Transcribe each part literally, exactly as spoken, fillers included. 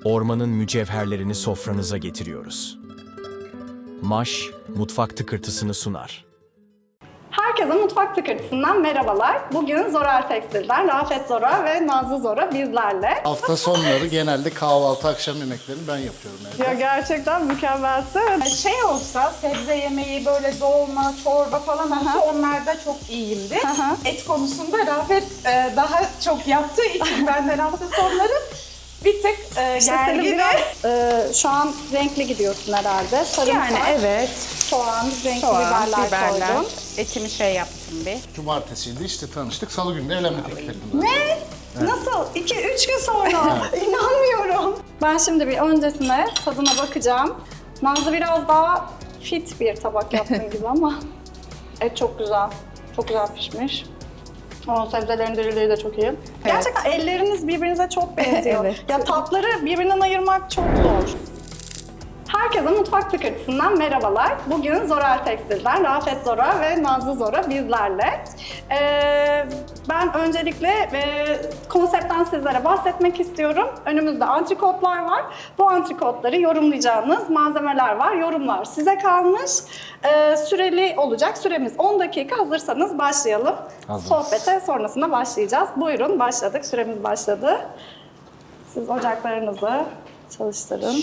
ormanın mücevherlerini sofranıza getiriyoruz. Maş, mutfak tıkırtısını sunar. Herkese Mutfak Tıkırtısı'ndan merhabalar. Bugün Zorel Tekstil'den Rafet Zora ve Nazlı Zora bizlerle. Hafta sonları genelde kahvaltı, akşam yemeklerini ben yapıyorum evde. Ya gerçekten mükemmelsin. Şey olsa, sebze yemeği, böyle dolma, çorba falan olsa onlarda çok iyiyimdir. Aha. Et konusunda Rafet e, daha çok yaptığı için benden hafta sonları bir tık e, İşte senin gerginim. biraz e, şu an renkli gidiyorsun herhalde. Sarımsak, Yani evet, soğan, renkli soğan, biberler, biberler, koydum. etimi şey yaptım bir. Cumartesiydi işte tanıştık. Salı günü de evlenme teklif ettim. zaten. Ne? Nasıl? iki üç gün sonra. İnanmıyorum. Ben şimdi bir öncesine tadına bakacağım. Nazlı biraz daha fit bir tabak yaptığın gibi ama et çok güzel. Çok güzel pişmiş. O sebzelerin diriliği de çok iyi. Gerçekten elleriniz birbirinize çok benziyor. Evet. Ya tatları birbirinden ayırmak çok zor. Herkese Mutfak Tıkırtısı'ndan merhabalar. Bugün Zorel Tekstil'den Rafet Zora ve Nazlı Zora bizlerle. Ee, ben öncelikle e, konseptten sizlere bahsetmek istiyorum. Önümüzde antrikotlar var. Bu antrikotları yorumlayacağınız malzemeler var. Yorumlar size kalmış. Ee, süreli olacak. Süremiz on dakika. Hazırsanız başlayalım. Hazırız. Sohbete sonrasında başlayacağız. Buyurun başladık. Süremiz başladı. Siz ocaklarınızı çalıştırın.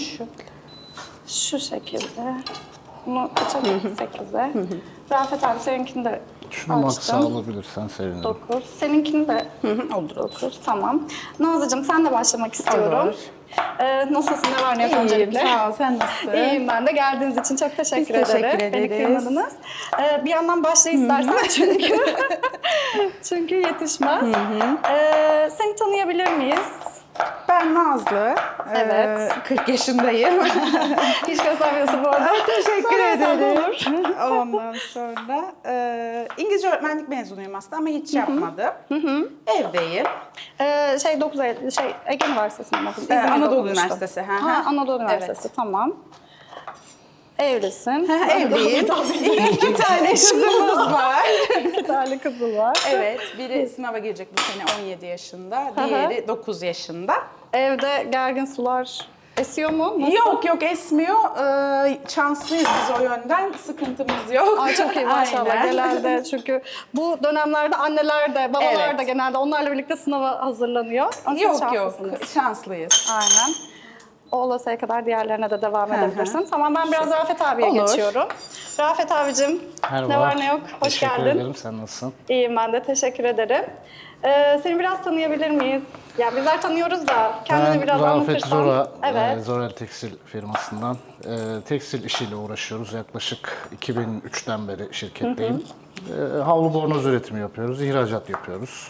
Şu şekilde. Bunu açalım sekize. Rafet abi seninkini de Şunu maksa açtım. alabilirsen sevinirim. dokuz. Seninkini de olur. dokuz. Tamam. Nazlıcığım sen de başlamak istiyorum. Olur. Ee, nasılsın? Ne var ne yok İyiyim, öncelikle? sağ ol. Sen nasılsın? İyiyim ben de. Geldiğiniz için çok teşekkür Biz ederim. teşekkür Beni ederiz. kırmadınız. Ee, bir yandan başla istersen çünkü çünkü yetişmez. Ee, seni tanıyabilir miyiz? Ben Nazlı. Evet. Ee, kırk yaşındayım. Hiç göstermiyorsun bu arada. Teşekkür Söylesem de ederim. olur. Ondan sonra e, İngilizce öğretmenlik mezunuyum aslında ama hiç yapmadım. Evdeyim. Ee, şey dokuz Eylül, şey Ege Üniversitesi'nde mi okudun? Ee, İzmir'de Anadolu okumuştun. Üniversitesi, hı hı. Ha, Anadolu Evet. Üniversitesi, tamam. Evlisin. Evliyim. İki tane kızımız var. İki tane kızı var. Evet, biri sınava girecek bu sene on yedi yaşında, diğeri dokuz yaşında. Evde gergin sular esiyor mu? Nasıl? Yok yok esmiyor. Ee, şanslıyız biz o yönden. Sıkıntımız yok. Ay çok iyi maşallah. Aynen. Genelde çünkü bu dönemlerde anneler de babalar Evet. da genelde onlarla birlikte sınava hazırlanıyor. Ama siz Yok yok şanslısınız. şanslıyız. Aynen. O olasıya kadar diğerlerine de devam hı. edebilirsin. Tamam ben biraz Rafet abiye Olur. geçiyorum. Rafet abicim Merhaba. ne var ne yok? Hoş Teşekkür geldin. ederim. Sen nasılsın? İyiyim ben de teşekkür ederim. Ee, seni biraz tanıyabilir miyiz? Ya bizler tanıyoruz da kendini Ben biraz Rafet anlatırsan. Zora, Evet. e, Zorel Tekstil firmasından. E, tekstil işiyle uğraşıyoruz. Yaklaşık iki bin üçten beri şirketteyim. E, havlu bornoz üretimi yapıyoruz, ihracat yapıyoruz.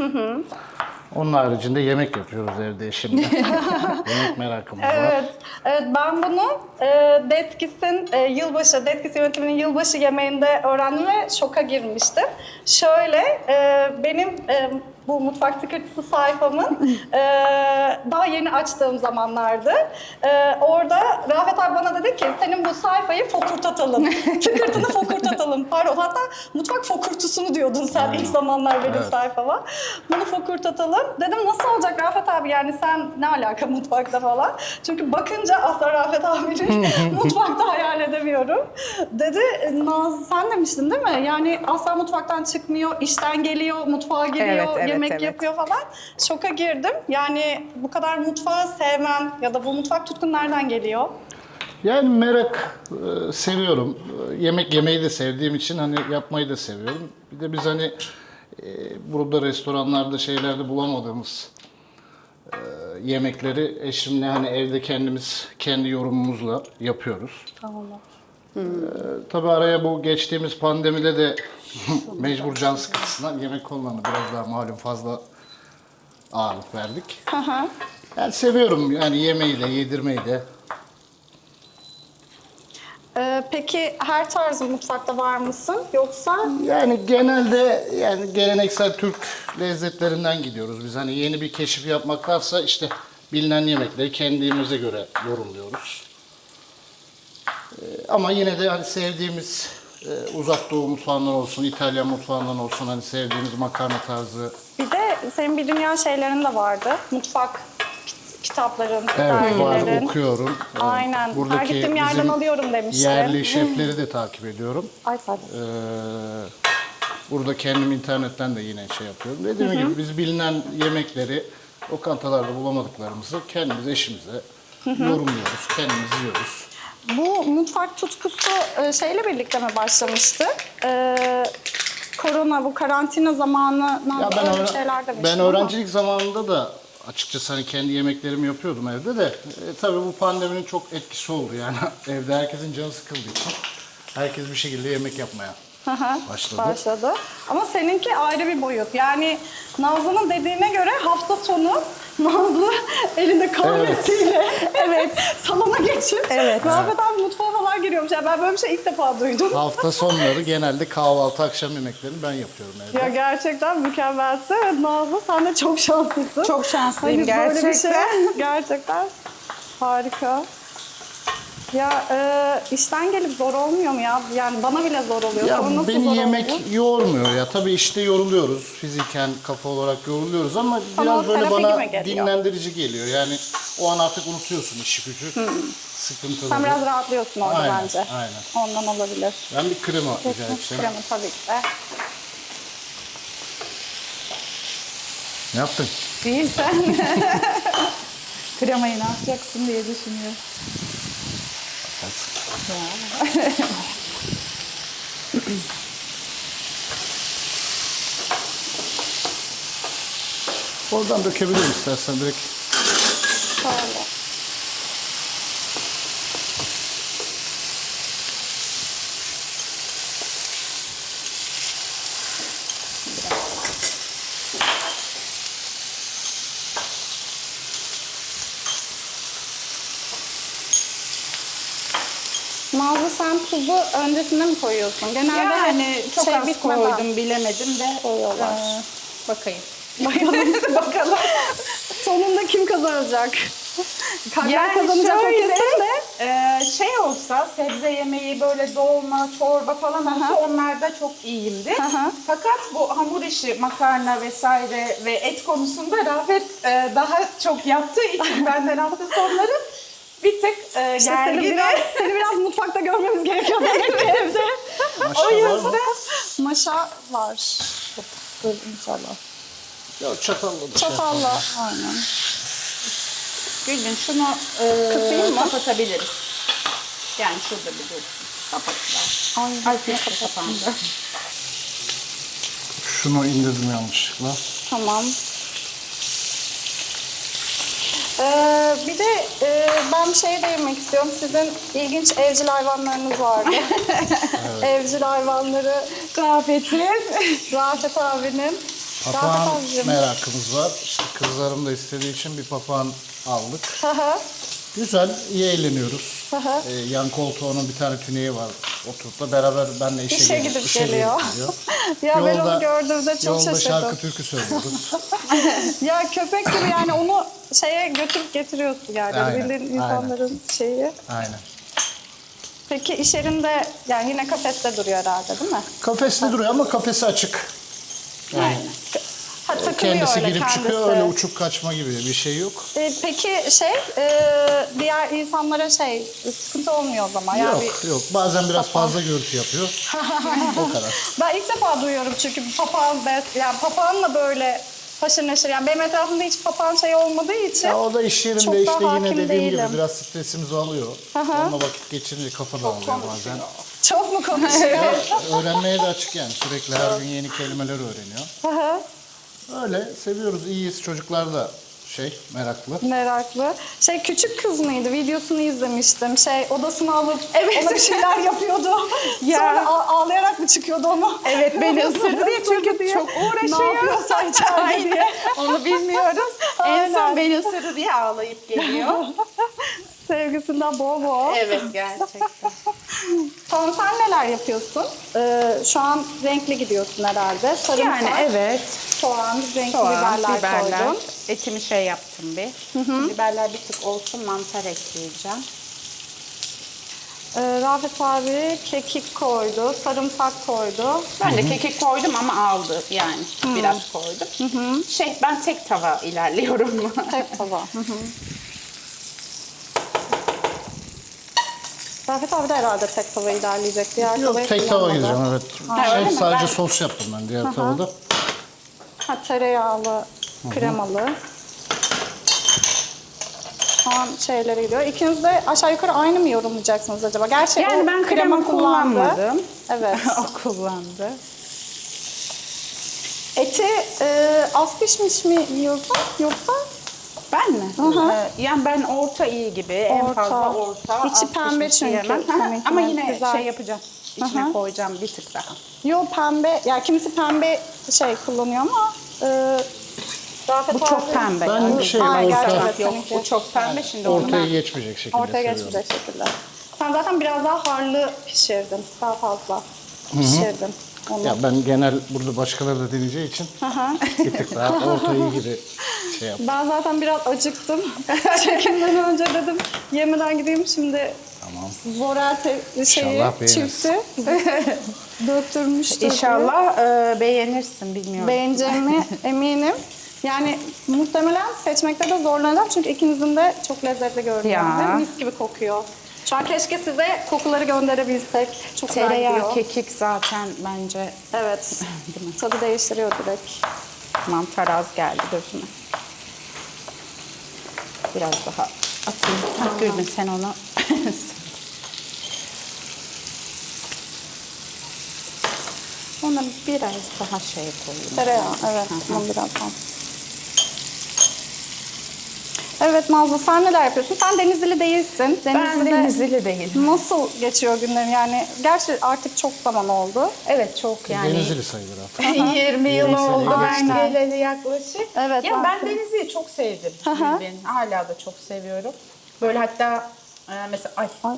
Onun haricinde yemek yapıyoruz evde eşimle. Yemek merakımız var. Evet, evet ben bunu e, Detkis'in e, yılbaşı, Detkis yönetiminin yılbaşı yemeğinde öğrendim ve şoka girmiştim. Şöyle, e, benim e, bu Mutfak Tıkırtısı sayfamın e, daha yeni açtığım zamanlardı. E, orada Rafet abi bana dedi ki, senin bu sayfayı fokurtatalım. Tıkırtını fokurtatalım. Pardon, hatta mutfak fokurtusunu diyordun sen ilk zamanlar benim Evet. sayfama. Bunu fokurtatalım. Dedim nasıl olacak Rafet abi yani sen ne alaka mutfakta falan. Çünkü bakınca asla Rafet abinin mutfakta hayal edemiyorum. Dedi Naz sen demiştin değil mi? Yani asla mutfaktan çıkmıyor, işten geliyor, mutfağa giriyor, Evet, evet, yemek evet. yapıyor falan. Şoka girdim. Yani bu kadar mutfağı sevmen ya da bu mutfak tutkun nereden geliyor? Yani merak e, seviyorum. E, Yemek yemeyi de sevdiğim için hani yapmayı da seviyorum. Bir de biz hani e, burada restoranlarda şeylerde bulamadığımız e, yemekleri eşimle hani evde kendimiz kendi yorumumuzla yapıyoruz. Tamam. E, tabii araya bu geçtiğimiz pandemide de mecbur can sıkıntısından yemek konularına biraz daha malum fazla ağırlık verdik. Yani seviyorum yani yemeği de yedirmeyi de. Ee, peki her tarz mutfakta var mısın yoksa? Yani genelde yani geleneksel Türk lezzetlerinden gidiyoruz. Biz hani yeni bir keşif yapmaktansa işte bilinen yemekleri kendimize göre yorumluyoruz. Ee, ama yine de hani sevdiğimiz e, uzak doğu mutfağından olsun, İtalyan mutfağından olsun hani sevdiğimiz makarna tarzı. Bir de senin bir dünya şeylerin de vardı. Mutfak kitapların, Evet, var, dergilerin. okuyorum. Aynen. Her Buradaki gittiğim yerden bizim alıyorum demişti. yerli şefleri de takip ediyorum. Ay pardon. Ee, burada kendim internetten de yine şey yapıyorum. Dediğim gibi biz bilinen yemekleri lokantalarda bulamadıklarımızı kendimiz eşimize yorumluyoruz, kendimiz yiyoruz. Bu mutfak tutkusu e, şeyle birlikte mi başlamıştı? Ee, korona, bu karantina zamanı Ya ben, öyle öğren- şeyler demiştim ben ama. öğrencilik zamanında da açıkçası hani kendi yemeklerimi yapıyordum evde de. E, tabii bu pandeminin çok etkisi oldu yani. Evde herkesin canı sıkıldığı için herkes bir şekilde yemek yapmaya Hı hı, başladı. başladı. Ama seninki ayrı bir boyut. Yani Nazlı'nın dediğine göre hafta sonu Nazlı elinde kahvesiyle evet. salona geçip evet. Rafet abi mutfağa falan giriyormuş. Yani ben böyle bir şey ilk defa duydum. Hafta sonları genelde kahvaltı, akşam yemeklerini ben yapıyorum evde. Ya gerçekten mükemmelsin. Evet, Nazlı sen de çok şanslısın. Çok şanslıyım Hani böyle bir gerçekten. şey gerçekten harika. Ya e, işten gelip zor olmuyor mu ya? Yani bana bile zor oluyor. Ya Sana nasıl beni zor yemek oldu? yormuyor ya. Tabii işte yoruluyoruz. Fiziken, kafa olarak yoruluyoruz ama Sana biraz böyle terapi bana gibi geliyor. dinlendirici geliyor. Yani o an artık unutuyorsun işi gücü, sıkıntıları. Sen biraz rahatlıyorsun orada Aynen, bence. aynen. Ondan olabilir. Ben bir krema rica edeceğim. Kremi tabii ki de. Ne yaptın? Değil sen. Kremayı ne yapacaksın diye düşünüyorum. Oradan dökebilirim istersen direkt. Şöyle. Nazlı sen tuzu öncesinde mi koyuyorsun? Genelde Yani hep çok şey az bitmeden koydum, bilemedim de. koyuyorlar. Ee, bakayım. Bakalım. Bakalım. Sonunda kim kazanacak? Kalpler Yani kazanacak o şöyle, kesin de. e, şey olsa, sebze yemeği böyle dolma, çorba falan olsa onlarda çok iyiyimdir. Aha. Fakat bu hamur işi, makarna vesaire ve et konusunda Rafet e, daha çok yaptığı için benden hafta sonları bir tık e, İşte seni gerginim. biraz, seni biraz mutfakta görmemiz gerekiyor demek ki evde. Maşa O var mı? yüzden Maşa var. Dur inşallah. Ya çatalla da şey Çatalla. yapalım. Aynen. Gülün şunu e, Kısayım mı? kapatabiliriz. Yani şurada bir dur. Kapattılar. Ay, Ay ne keşke kapandı. Şunu indirdim yanlışlıkla. Tamam. Ee, bir de e, ben bir şey değinmek istiyorum. Sizin ilginç evcil hayvanlarınız vardı. Evcil hayvanları Rafet'in. Rafet abinin. Papağan Rafet abicim. merakımız var. İşte kızlarım da istediği için bir papağan aldık. Hı hı. Güzel, iyi eğleniyoruz. Hı hı. Ee, yan koltuğunun bir tane tüneyi var. Oturup da beraber benle işe, İşe gelip- gidip işe geliyor. gelip gidiyor. Ya ben onu gördüğümde çok yolda şaşırdım. şarkı türkü söylüyoruz. Ya köpek gibi yani onu şeye götürüp getiriyorsun yani. Aynen, Bildiğin insanların şeyi. Aynen. Peki iş yerinde yani yine kafeste duruyor herhalde değil mi? Kafeste duruyor ama kafesi açık. Yani Ha, takılıyor kendisi öyle girip kendisi. çıkıyor, öyle uçup kaçma gibi bir şey yok. Ee, peki şey e, diğer insanlara şey sıkıntı olmuyor o zaman. Yani yok, yok. Bazen biraz fazla gürültü yapıyor. O kadar. ben ilk defa duyuyorum çünkü bir papağan bes, yani papağanla böyle haşır neşir. Yani benim etrafımda hiç papağan şey olmadığı için. Ya o da iş yerinde Çok da işte yine hakim dediğim değilim. gibi biraz stresimizi alıyor. Onunla vakit geçirince kafa dağılıyor bazen. Çok mu konuşuyor? Öğrenmeye de açık yani. Sürekli her gün yeni kelimeler öğreniyor. Hı hı. Öyle seviyoruz, iyiyiz. Çocuklar da şey meraklı. Meraklı. Şey küçük kız mıydı? Videosunu izlemiştim. Şey odasını alıp ona bir şeyler yapıyordu. Ya. Sonra ağ- ağlayarak mı çıkıyordu onu? Evet beni ısırdı diye çünkü çok uğraşıyor. Ne yapıyorsa içeride diye. Onu bilmiyoruz. En Aynen. son beni ısırdı diye ağlayıp geliyor. Sevgisinden bol bol. Evet gerçekten. Tamam sen neler yapıyorsun? Ee, şu an renkli gidiyorsun herhalde. Sarımsak, Yani evet. soğan, renkli Soğan, biberler, biberler. koydun. Etimi şey yaptım bir. Biberler bir tık olsun, mantar ekleyeceğim. Ee, Rafet abi kekik koydu, sarımsak koydu. Ben de kekik koydum ama aldı yani. Biraz koydum. Şey ben tek tava ilerliyorum. Tek tava. Hı hı. Rafet abi de herhalde tek tava ilerleyecek. Diğer Yok, tavayı tek tava kullanmadı. gireceğim evet. Ha, Şey, öyle mi? sadece Ben- sos yaptım ben diğer tavada. Ha, tereyağlı, kremalı. Şu an şeylere gidiyor. İkiniz de aşağı yukarı aynı mı yorumlayacaksınız acaba? Gerçi Yani o ben krema kullandı. kullanmadım. Evet. O kullandı. Eti e, az pişmiş mi yiyorsun yoksa? Ben mi? hı. Ee, yani ben orta iyi gibi. En Orta. fazla orta. İçi az pembe pişmiş çünkü. yiyemem. Seninki Ama de yine güzel. şey yapacağım. İçine Hı hı. koyacağım bir tık daha. Yo pembe, ya kimisi pembe şey kullanıyor ama e, Rafet Bu çok abi- pembe. Ben yani. şey, Ay, orta- gerçekten Yok seninki. bu çok pembe şimdi onu Ortaya ben... geçmeyecek şekilde Ortaya seviyorum. geçmeyecek şekilde. Sen zaten biraz daha harlı pişirdin. Daha fazla pişirdin. Onu. Ya ben genel burada başkaları da deneyeceği için bir tık daha ortayı gibi şey yap. Ben zaten biraz acıktım. Çekimden önce dedim yemeden gideyim şimdi. Tamam. Zorel te- şeyi, İnşallah beğenirsin. çifti döktürmüştür. İnşallah e, beğenirsin bilmiyorum. Beğeneceğimi eminim. Yani muhtemelen seçmekte de zorlanacağım çünkü ikinizin de çok lezzetli görünüyor. Ya. Ve mis gibi kokuyor. Şu an keşke size kokuları gönderebilsek. Çok güzel Tereyağı, gidiyor. kekik zaten bence Evet. Tadı değiştiriyor direkt. mantar az geldi gözüme. Biraz daha atayım. Ha, Gülbin sen onu. Ona biraz daha şey koyayım. Tereyağı, evet. Bunu birazdan. Evet Nazlı, sen neler yapıyorsun? Sen Denizli değilsin. Ben Denizli'de Denizli değilim. nasıl geçiyor günlerin? Yani gerçi artık çok zaman oldu. Evet çok yani. Denizli sayılır artık. yirmi yıl Yirmi sene oldu ben geçti. geleli yaklaşık. Evet, Ya ben artık. Denizli'yi çok sevdim. hı. Gülbin. Hala da çok seviyorum. Böyle hatta e, mesela ay, Ay.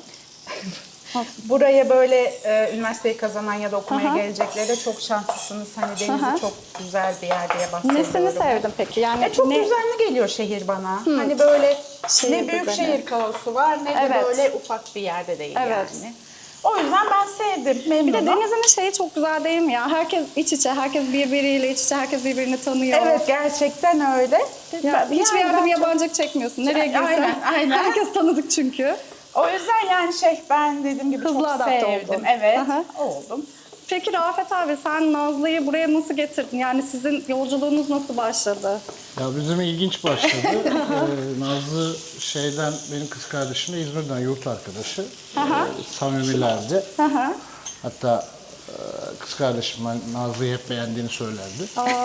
buraya böyle e, üniversiteyi kazanan ya da okumaya geleceklere çok şanslısınız. Hani Denizli çok güzel bir yer diye bahsediyorum. Nesini sevdin peki? Yani E, çok ne- düzenli geliyor şehir bana. Hani böyle Şehir ne büyük düzeni. şehir kaosu var ne de Evet. böyle ufak bir yerde değil Evet. yani. O yüzden ben sevdim, Bir memnunum. de Denizli'nin şeyi çok güzel değil mi ya? Herkes iç içe, herkes birbiriyle iç içe, herkes birbirini tanıyor. Evet gerçekten öyle. Ya, Ben- hiçbir yani yerde ben bir çok- yabancılık çekmiyorsun. Nereye girsen Aynen, aynen. herkes tanıdık çünkü. O yüzden yani şey ben dediğim gibi Hızlı çok adapte sevdim. oldun. Evet Aha. oldum. Peki Rafet abi sen Nazlı'yı buraya nasıl getirdin? Yani sizin yolculuğunuz nasıl başladı? Ya bizim ilginç başladı. ee, Nazlı şeyden benim kız kardeşim de İzmir'den yurt arkadaşı. Ee, samimilerdi. Hı hı. Hatta e, kız kardeşim ben Nazlı'yı hep beğendiğini söylerdi.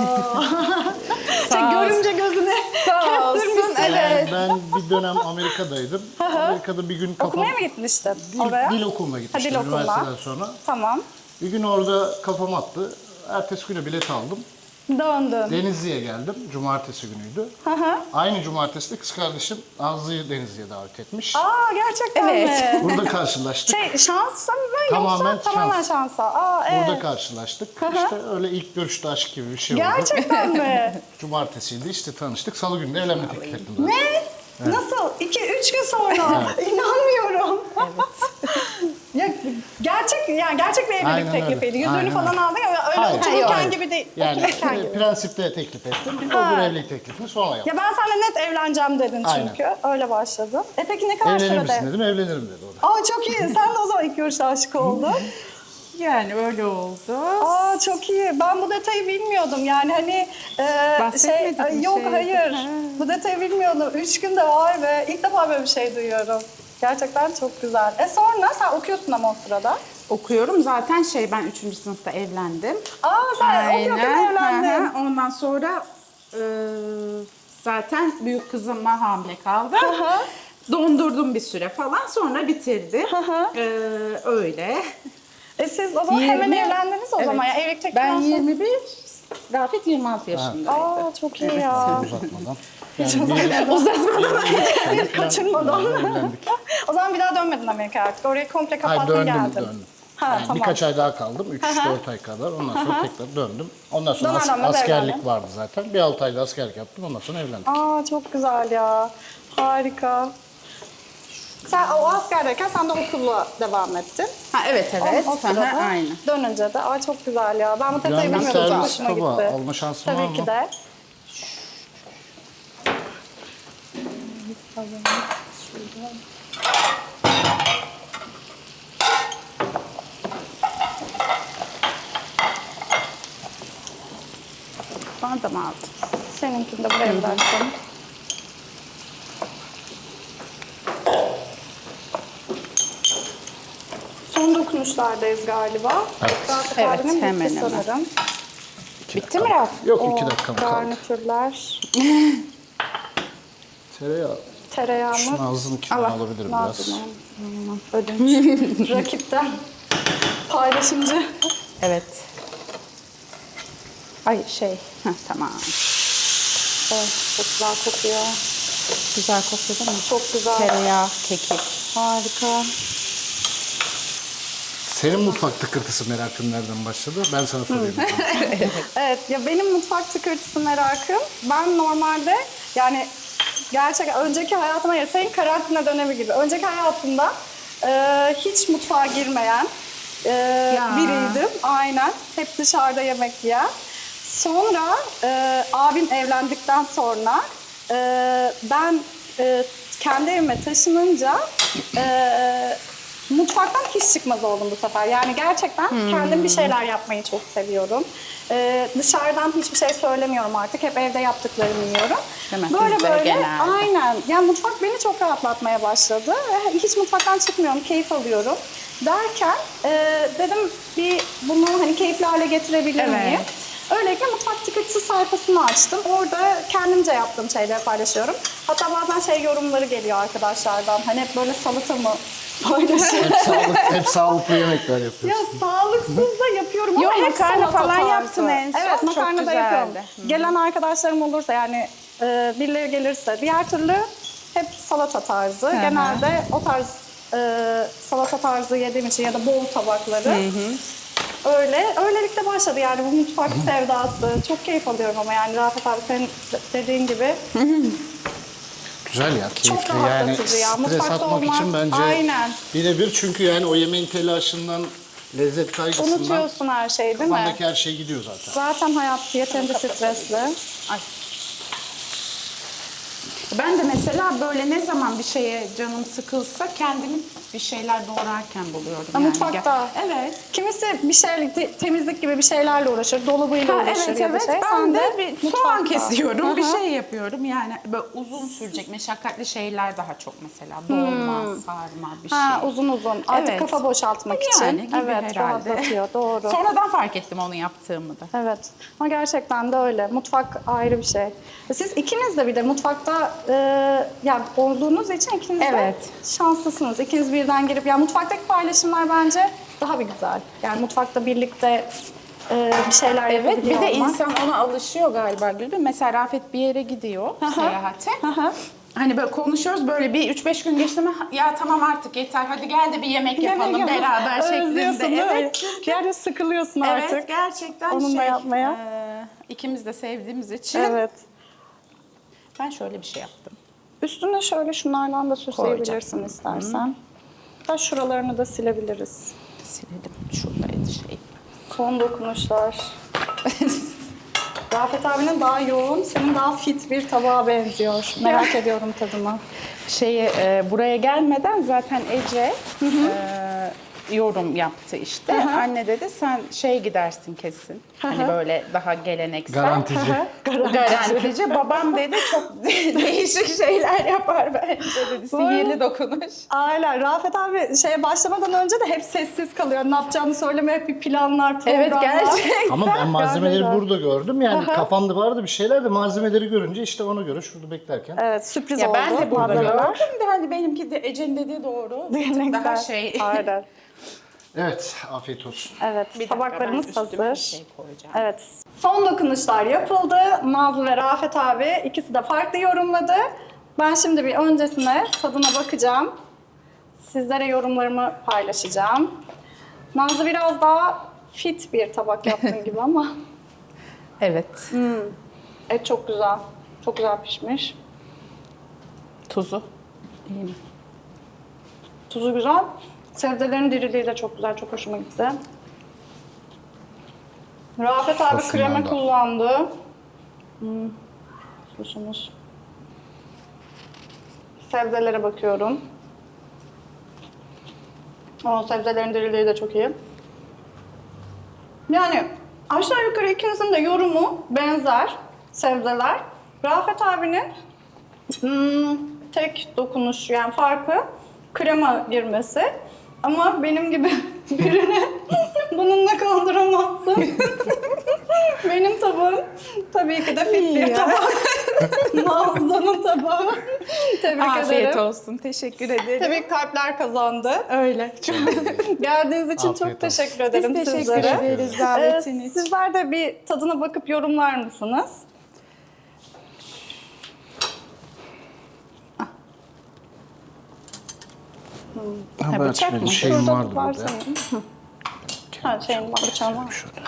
Şey, görümce gözüne Sağ olsun. kestirmişsin. Evet. Ben bir dönem Amerika'daydım. Amerika'da bir gün kafam... Okumaya mı gitmiştin Dil, oraya? dil okuluna gitmiştim dil okuluna. üniversiteden sonra. Tamam. Bir gün orada kafam attı. Ertesi güne bilet aldım. Döndün. Denizli'ye geldim. Cumartesi günüydü. Hı hı. Aynı cumartesi de kız kardeşim Nazlı'yı Denizli'ye davet etmiş. Aa gerçekten Evet. mi? Burada karşılaştık. Şey şansa mı Tamamen yoksa tamamen şans. şansa? Aa evet. Burada karşılaştık. İşte öyle ilk görüşte aşk gibi bir şey oldu. Gerçekten mi? Cumartesiydi işte tanıştık. Salı günü de evlenme teklif ettim zaten. Ne? Nasıl? İki, üç gün sonra. İnanmıyorum. ya gerçek, yani gerçek bir evlilik Aynen teklifiydi. öyle. Yüzüğünü Aynen falan öyle. aldın ya öyle Hayır, otururken hayır. gibi değil. Yani Otururken e, gibi. prensipte teklif ettim. Ha. Öbür evlilik teklifini sonra yaptım. Ya ben seninle net evleneceğim dedin Aynen. çünkü. Öyle başladı. E peki ne kadar Evlenir misin sürede? dedim. Evlenirim dedi o da. Aa çok iyi. Sen de o zaman ilk görüşte aşık oldun. Yani öyle oldu. Aa çok iyi. Ben bu detayı bilmiyordum. Yani hani e, Bahsetmedik şey, mi yok şey? hayır. Ha. Bu detayı bilmiyordum. Üç günde var ve ilk defa böyle bir şey duyuyorum. Gerçekten çok güzel. E sonra sen okuyorsun ama o sırada. Okuyorum zaten şey ben üçüncü sınıfta evlendim. Aa sen okuyorken evlendin. Hı hı. Ondan sonra e, zaten büyük kızıma hamile kaldım. hı. Dondurdum bir süre falan sonra bitirdim. hı. E, öyle. E siz o zaman hemen yirmi evlendiniz o Evet. zaman. Ya, evlilik Ben teklifinden sonra- yirmi bir, Rafet yirmi altı yaşındaydı. Aa çok iyi ya. Uzatmadan. Yani bir, Uzatmadan. Kaçırmadan. evlendik. O zaman bir daha dönmedin Amerika'ya artık. Orayı komple Hayır kapattın döndüm geldin. döndüm. Ha, Yani tamam. birkaç ay daha kaldım. üç Hı hı. dört ay kadar. Ondan sonra tekrar döndüm. Ondan sonra Döner as- dönmez askerlik evlendin. vardı zaten. Bir altı ayda askerlik yaptım. Ondan sonra evlendik. Aa çok güzel ya. Harika. Sen o askerdeyken sen de okulla devam ettin. Ha, evet evet. O, o sırada Aha, aynı. dönünce de ay çok güzel ya. Ben bu detayı Yani bir bilmiyordum. Çok servis hoşuma tabağı gitti. alma şansın var Tabii mı? ki de. Bana da mı aldın? Seninkini de buraya bıraktım. Son dokunuşlardayız galiba. Evet. Rafet Evet, abinin bitti hemen hemen. sanırım. Bitti mi Raf? Yok O iki dakikam kaldı. garnitürler, Tereyağı. tereyağımız, Şunu ağzının kenarına alabilirim biraz. Nazlı'nın ödünç. Rakipten paylaşımcı. Evet. Ay şey. Heh, tamam. Evet, çok güzel kokuyor. Güzel kokuyor değil mi? Çok güzel. Tereyağı, kekik. Harika. Senin mutfak tıkırtısı merakın nereden başladı? Ben sana sorayım. Evet, ya benim mutfak tıkırtısı merakım. Ben normalde yani gerçekten önceki hayatıma ya senin karantina dönemi gibi. Önceki hayatımda e, hiç mutfağa girmeyen e, Ya. biriydim. Aynen. Hep dışarıda yemek yiyen. Sonra e, abim evlendikten sonra e, ben e, kendi evime taşınınca e, mutfaktan hiç çıkmaz oldum bu sefer. Yani gerçekten kendim bir şeyler yapmayı çok seviyorum. Ee, dışarıdan hiçbir şey söylemiyorum artık. Hep evde yaptıklarımı yiyorum. Değil mi? Böyle Bizde böyle. genelde. Aynen. Yani mutfak beni çok rahatlatmaya başladı. Ve hiç mutfaktan çıkmıyorum. Keyif alıyorum. Derken e, dedim bir bunu hani keyifli hale getirebilir Evet. miyim? Öylelikle mutfak tıkırtısı sayfasını açtım. Orada kendimce yaptığım şeyleri paylaşıyorum. Hatta bazen şey yorumları geliyor arkadaşlardan. Hani hep böyle salata mı paylaşıyorum? hep, sağlık, hep sağlıklı yemekler Ya yapıyorsun. sağlıksız da yapıyorum ama Yok, hep makarna salata falan tarzı. yaptın en son. Evet, Çok makarna da güzeldi. yapıyorum. Hı. Gelen arkadaşlarım olursa yani e, birileri gelirse diğer türlü hep salata tarzı. hı. Genelde o tarz e, salata tarzı yediğim için ya da bol tabakları. Öyle. Öylelikle başladı yani bu mutfak sevdası. Çok keyif alıyorum ama yani Rafet abi senin dediğin gibi Güzel ya, keyifli. Çok Yani rahatlatıcı ya. stres Mutfakta atmak olmak- için bence Aynen. birebir. Çünkü yani o yemeğin telaşından, lezzet kaygısından unutuyorsun her şeyi değil mi? kafandaki her şey gidiyor zaten. Zaten hayat yeterince stresli. Ay. Ben de mesela böyle ne zaman bir şeye canım sıkılsa kendimi bir şeyler doğrarken buluyorum. Ha, yani. mutfakta. Evet. Kimisi bir şey te- temizlik gibi bir şeylerle uğraşır, dolabıyla Ha, uğraşır evet ya da evet şey. ben Sen de bir soğan mutfakta. kesiyorum, bir Hı hı. şey yapıyorum. Yani böyle uzun sürecek, meşakkatli şeyler daha çok mesela. Dolma, sarma bir şey. Ha, uzun uzun. Artık Evet. kafa boşaltmak Yani için. gibi Evet, herhalde. rahatlatıyor. Doğru. Sonradan fark ettim onu yaptığımı da. Evet. Ama gerçekten de öyle. Mutfak ayrı bir şey. Siz ikiniz de bir de mutfakta e, yani olduğunuz için ikiniz Evet. de şanslısınız. İkiniz birden girip yani mutfaktaki paylaşımlar bence daha bir güzel. Yani mutfakta birlikte e, bir şeyler Evet, yapabiliyor bir de olmak. insan ona alışıyor galiba Gülbin. Mesela Rafet bir yere gidiyor seyahate. Aha. Hani böyle konuşuyoruz, böyle bir üç beş gün geçti mi ya tamam artık yeter, hadi gel de bir yemek yapalım Yemek yapalım. beraber Özlüyorsun şeklinde. değil mi? Evet. Yani sıkılıyorsun artık. Evet, gerçekten onunla şey, yapmaya. e, ikimiz de sevdiğimiz için Evet. ben şöyle bir şey yaptım. Üstüne şöyle şunlardan da süsleyebilirsin istersen. Hatta şuralarını da silebiliriz. Silelim, şuradaydı şey. Son dokunuşlar. Rafet abinin daha yoğun, senin daha fit bir tabağa benziyor. Merak ediyorum tadını. Şeyi e, buraya gelmeden zaten Ece e, yorum yaptı işte. Hı hı. Anne dedi sen şey gidersin kesin. Hani böyle daha geleneksel. Garantici. Garantici. Babam dedi çok değişik şeyler yapar bence dedi. Sihirli dokunuş. Aynen. Rafet abi şeye başlamadan önce de hep sessiz kalıyor. Ne yapacağını söylemeye hep bir planlar, programlar. Evet gerçekten. Ama ben malzemeleri Gerçekten. burada gördüm. Yani kafamda vardı bir şeyler de malzemeleri görünce işte ona göre şurada beklerken. Evet, sürpriz Ya oldu. ben de burada malzemeler. gördüm de hani benimki de Ece'nin dediği doğru. Bir tık Geleneksel. daha şey. Aynen. Evet, afiyet olsun. Evet, Bir dakika, tabaklarımız ben üstüme hazır. bir şey koyacağım. Evet. Son dokunuşlar yapıldı. Nazlı ve Rafet abi ikisi de farklı yorumladı. Ben şimdi bir öncesine tadına bakacağım. Sizlere yorumlarımı paylaşacağım. Nazlı biraz daha fit bir tabak yaptığın gibi ama Evet. et çok güzel. Çok güzel pişmiş. Tuzu. İyi mi? Tuzu güzel. Sebzelerin diriliği de çok güzel, çok hoşuma gitti. Rafet abi Sosundan krema da. kullandı. Hmm. Sosumuz. Sebzelere bakıyorum. O sebzelerin diriliği de çok iyi. Yani aşağı yukarı ikinizin de yorumu benzer sebzeler. Rafet abinin hmm, tek dokunuş yani farkı krema girmesi. Ama benim gibi birini bununla kandıramazsın. Benim tabağım tabii ki de fit bir tabak. Nazlı'nın tabağı. Tebrik Afiyet ederim. olsun. Teşekkür ederim. Tabii kalpler kazandı. Öyle. Geldiğiniz için Afiyet çok olsun. teşekkür ederim Biz teşekkür sizlere. ederiz Ee, davetiniz için. sizler de bir tadına bakıp yorumlar mısınız? Ha, Ha, ben bıçak açmadım. mı? Şeyim Şurada vardı var burada. sanırım. Hı. Ha şeyin var, bıçağın var. Şurada.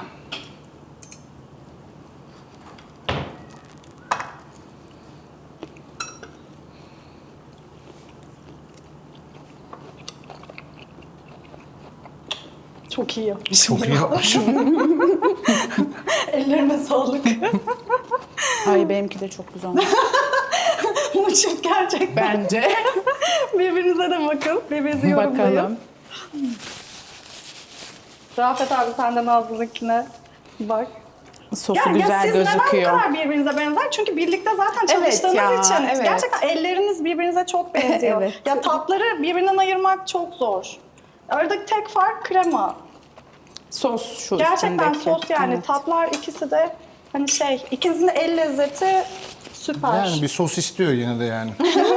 Çok iyi yapmış. Çok iyi yapmışım. Ellerine sağlık. Ay benimki de çok güzel olmuş. Bu çift gerçekten. Bence. Birbirinize de bakın. Birbirinizi yorumlayın. Bakalım. Rafet abi sen de Nazlı'nınkine bak. Sosu Ya, ya güzel siz neden bu gözüküyor. kadar birbirinize benzer? Çünkü birlikte zaten Evet çalıştığınız ya, için evet. gerçekten elleriniz birbirinize çok benziyor. Evet. Ya tatları birbirinden ayırmak çok zor. Aradaki tek fark krema. Sos şu Gerçekten üstündeki. sos yani. Evet. Tatlar ikisi de hani şey, ikinizin de el lezzeti süper. Yani bir sos istiyor yine de yani.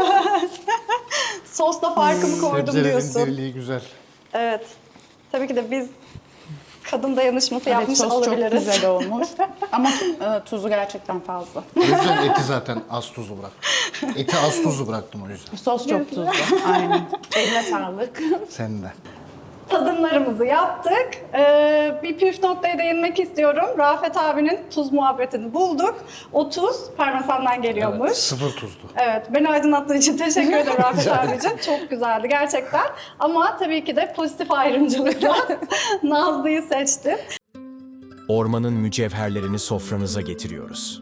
Sosla farkımı koydum Sebzelerin diyorsun. diriliği güzel. Evet. Tabii ki de biz kadın dayanışması Evet, yapmış sos çok olabiliriz. güzel olmuş. Ama e, tuzu gerçekten fazla. O yüzden eti zaten az tuzlu bıraktım. Eti az tuzlu bıraktım o yüzden. Sos çok tuzlu. Aynen. Eline sağlık. Sen de. Tadımlarımızı yaptık. Ee, bir püf noktaya değinmek istiyorum. Rafet abinin tuz muhabbetini bulduk. O tuz parmesandan geliyormuş. Evet, sıfır tuzlu. Evet, beni aydınlattığın için teşekkür ederim Rafet abicim. Çok güzeldi gerçekten. Ama tabii ki de pozitif ayrımcılıkla Nazlı'yı seçtim. Ormanın mücevherlerini sofranıza getiriyoruz.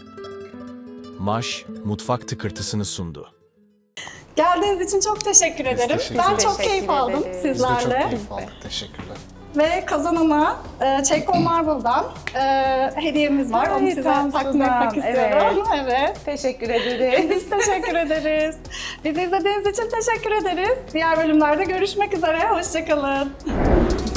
Maş, mutfak tıkırtısını sundu. Geldiğiniz için çok teşekkür ederim. teşekkür Ben ederiz. çok Teşekkür keyif aldım ederiz. Biz de sizlerle. çok keyif aldık. Teşekkürler. Ve kazanana e, Çeko Marble'dan e, hediyemiz var. Onu Ay, size Tansu'dan, takdim etmek istiyorum. Evet. Teşekkür ederiz. Biz teşekkür ederiz. Bizi izlediğiniz için teşekkür ederiz. Diğer bölümlerde görüşmek üzere. Hoşçakalın.